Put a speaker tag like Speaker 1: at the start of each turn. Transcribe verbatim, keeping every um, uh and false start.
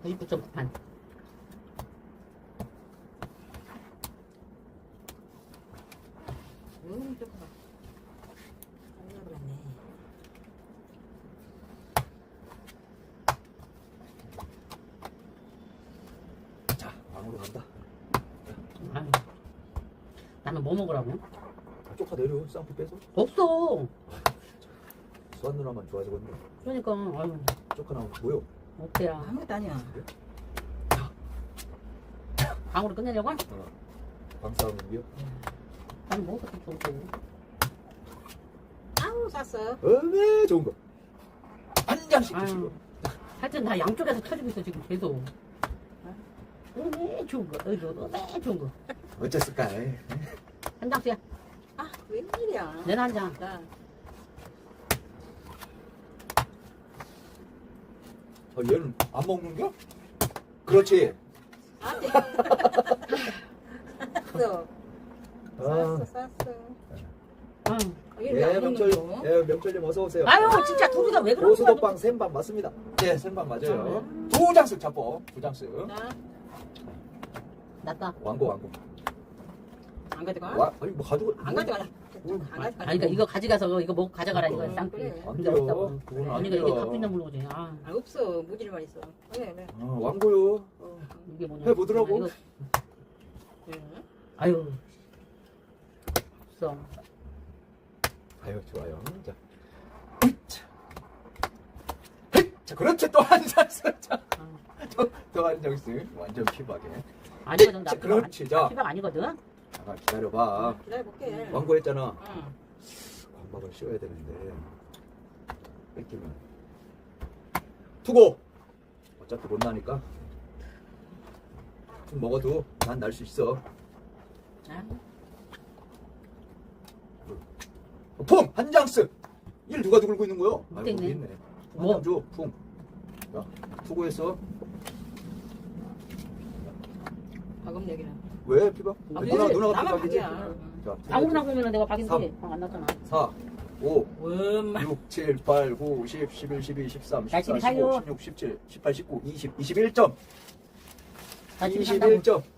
Speaker 1: 구십구 점 구 판.
Speaker 2: 음, 조금 봐. 아니야, 그랬네.
Speaker 3: 자, 방으로 간다.
Speaker 1: 아유. 나는 뭐 먹으라고?
Speaker 3: 쪽파 내려. 쌍피 빼서.
Speaker 1: 없어.
Speaker 3: 수환 누나만 좋아지겠네.
Speaker 1: 그러니까 아유.
Speaker 3: 쪽파 나오면 뭐요?
Speaker 1: 없대야.
Speaker 2: 아무것도 아니야.
Speaker 1: 방으로 끝내려고?
Speaker 3: 어. 방싸움이요?
Speaker 1: 나는 뭐 그렇게 좋고.
Speaker 2: 아우, 샀어.
Speaker 3: 어메 좋은 거. 한 장씩
Speaker 1: 아유.
Speaker 3: 드시고.
Speaker 1: 하여튼 나 양쪽에서 터지고 있어 지금 계속. 어메 좋은 거. 어이구 어메 좋은 거.
Speaker 3: 어쨌을까? 에이.
Speaker 1: 한 장씩이야.
Speaker 2: 아, 웬일이야.
Speaker 1: 내는 한 장.
Speaker 2: 나.
Speaker 3: 어, 얘는 안 먹는겨? 그렇지.
Speaker 2: 아니. 샀어.
Speaker 3: 아.
Speaker 2: 샀어, 샀어.
Speaker 1: 응.
Speaker 3: 예, 명철, 예, 명철님 어서 오세요.
Speaker 1: 아유 진짜 둘이가 왜 그러는 거야?
Speaker 3: 고수도빵 생방 맞습니다. 네, 생방 맞아요. 두 장씩 잡고, 두 장씩.
Speaker 2: 나,
Speaker 1: 낫다.
Speaker 3: 왕고, 왕고.
Speaker 2: 안 가져가?
Speaker 3: 와, 아니 뭐 가지고.
Speaker 2: 안 가져가라.
Speaker 3: 음.
Speaker 2: 안 가져가.
Speaker 1: 아니 그러니까 이거 가져가서 이거 먹고 가져가라 이거야
Speaker 2: 어,
Speaker 1: 쌍피.
Speaker 2: 그래.
Speaker 3: 안
Speaker 1: 근데
Speaker 3: 돼요.
Speaker 1: 없다고.
Speaker 3: 그건 안
Speaker 1: 언니가 이게
Speaker 3: 돼요.
Speaker 1: 갖고 있는 물건이지. 아
Speaker 2: 아, 없어. 무지만 있어. 그래, 그래.
Speaker 3: 어, 왕고요. 어.
Speaker 1: 이게 뭐냐?
Speaker 3: 해보더라고.
Speaker 1: 아, 이거-
Speaker 2: 그래.
Speaker 1: 아유. 없어.
Speaker 3: 아유, 좋아요. 자. 으이차. 자, 그렇지. 또 한 장씩. 자,
Speaker 1: 아.
Speaker 3: 또한 장씩. 완전 피박에.
Speaker 1: 아니거든 나.
Speaker 3: 자, 그렇지,
Speaker 1: 피박
Speaker 3: 자.
Speaker 1: 아니- 피박 아니거든.
Speaker 3: 잠깐 기다려봐.
Speaker 2: 기다려볼게.
Speaker 3: 왕고했잖아.
Speaker 2: 응.
Speaker 3: 광박을 씌워야 되는데. 뺏기면. 투고! 어차피 못 나니까. 좀 먹어도 난 날 수 있어.
Speaker 1: 아,
Speaker 3: 풍! 한 장씩! 일 누가 들고 있는 거요? 아이고,
Speaker 1: 있네.
Speaker 3: 여기 있네.
Speaker 1: 뭐?
Speaker 3: 한장 줘, 풍. 자, 투고했어.
Speaker 2: 방금 얘기는.
Speaker 3: 왜 피박?
Speaker 2: 아,
Speaker 3: 누나,
Speaker 2: 그래.
Speaker 3: 누나가
Speaker 2: 나만
Speaker 3: 피박이지?
Speaker 2: 박이야.
Speaker 3: 자,
Speaker 1: 아무거나 보면 내가 박인데
Speaker 3: 삼.
Speaker 1: 방안 났잖아.
Speaker 3: 사, 오,
Speaker 2: 엄마.
Speaker 3: 육, 칠, 팔, 구, 십, 십일, 십이, 십삼,
Speaker 1: 날씨를
Speaker 3: 십사, 십오,
Speaker 1: 살려.
Speaker 3: 십육, 십칠, 십팔, 십구, 이십, 이십일 점.
Speaker 1: 나 지금
Speaker 3: 이십일 점.